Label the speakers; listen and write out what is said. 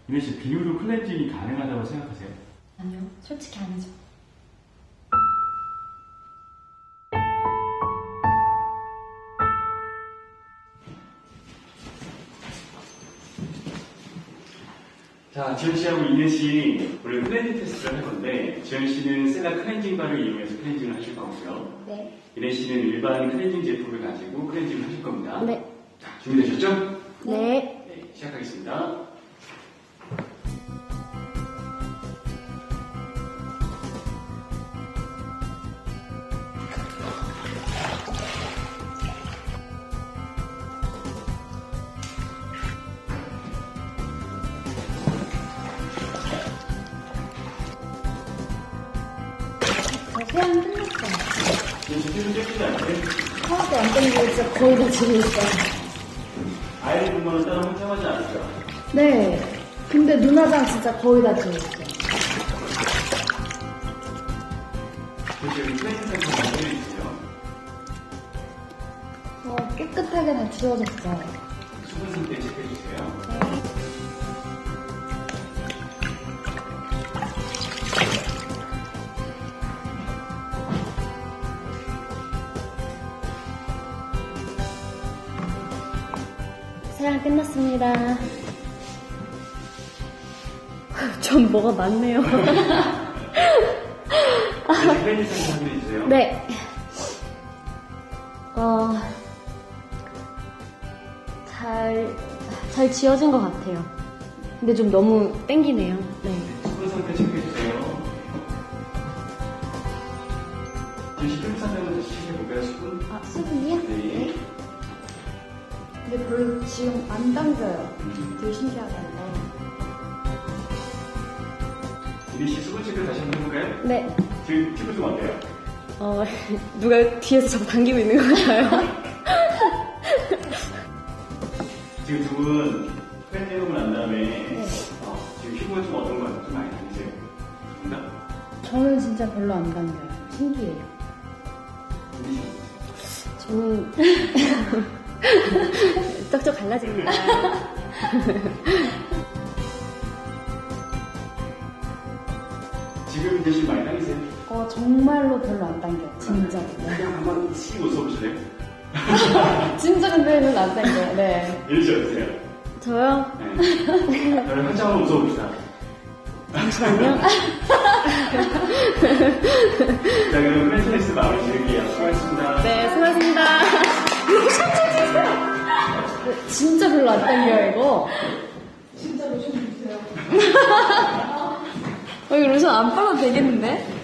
Speaker 1: 이민 씨, 비누로 클렌징이 가능하다고 생각하세요?
Speaker 2: 아니요, 솔직히 아니죠.
Speaker 1: 자, 지현 씨하고 이민 씨 오늘 클렌징 테스트를 할 건데, 지현 씨는 셀라 클렌징 바를 이용해서 클렌징을 하실 거고요.
Speaker 2: 네.
Speaker 1: 이민 씨는 일반 클렌징 제품을 가지고 클렌징을 하실 겁니다.
Speaker 2: 네.
Speaker 1: 자, 준비되셨죠?
Speaker 2: 네.
Speaker 1: 네, 시작하겠습니다.
Speaker 2: 저 세안 끝났어요.
Speaker 1: 지현 씨 필요 떼시지 않으세요?
Speaker 2: 하나도 안 땡기고 진짜 거의 다 지고 있어요.
Speaker 1: 아이를 보면 따로 혼자하지 않으죠?
Speaker 2: 네. 근데 눈화장 진짜 거의 다 지고 있어요.
Speaker 1: 지금 클렌징 상품 만들어주세요.
Speaker 2: 깨끗하게 다 지워졌어요.
Speaker 1: 수분 상태 체크해주세요.
Speaker 2: 세안 끝났습니다. 전 뭐가 많네요.
Speaker 1: 이제 클렌징 상품 만들어주세요.
Speaker 2: 네. 잘 지워진 것 같아요. 근데 좀 너무 땡기네요. 네.
Speaker 1: 수분 상태 체크해주세요. 지금 수분 상태는 다시 체크해볼까요, 수분?
Speaker 2: 아, 수분이요?
Speaker 1: 네.
Speaker 2: 근데 별로 지금 안 당겨요. 되게 신기하다, 이거.
Speaker 1: 이민 씨 수분 체크 다시 한번 해볼까요?
Speaker 2: 네.
Speaker 1: 지금 피부 좀 어때요?
Speaker 2: 누가 뒤에서 자꾸 당기고 있는 것 같아요.
Speaker 1: 지금 두 분 클렌징 하고 난 다음에 지금 피부가 좀 어떤 것 같아요? 좀 많이 당기세요? 정답?
Speaker 2: 저는 진짜 별로 안 당겨요. 신기해요.
Speaker 1: 이민 씨.
Speaker 2: 저는 쩍쩍 갈라집니다.
Speaker 1: 지금 대신 많이 당기세요?
Speaker 2: 정말로 별로 안 당겨요. 진짜.
Speaker 1: 그냥 한번 씩 웃어보실래요?
Speaker 2: 진짜 근데 별로 안 당겨요. 네.
Speaker 1: 이민 씨 어떠세요?
Speaker 2: 저요?
Speaker 1: 네. 저를 한참 한번 웃어봅시다.
Speaker 2: 잠시만요.
Speaker 1: 자, 그럼 클렌징 테스트 마무리 지을게요. 수고하셨습니다.
Speaker 2: 네, 수고하셨습니다. 진짜 별로 안 당겨요, 이거. 진짜 로션 주세요. 이거 로션 안 빨아도 되겠는데?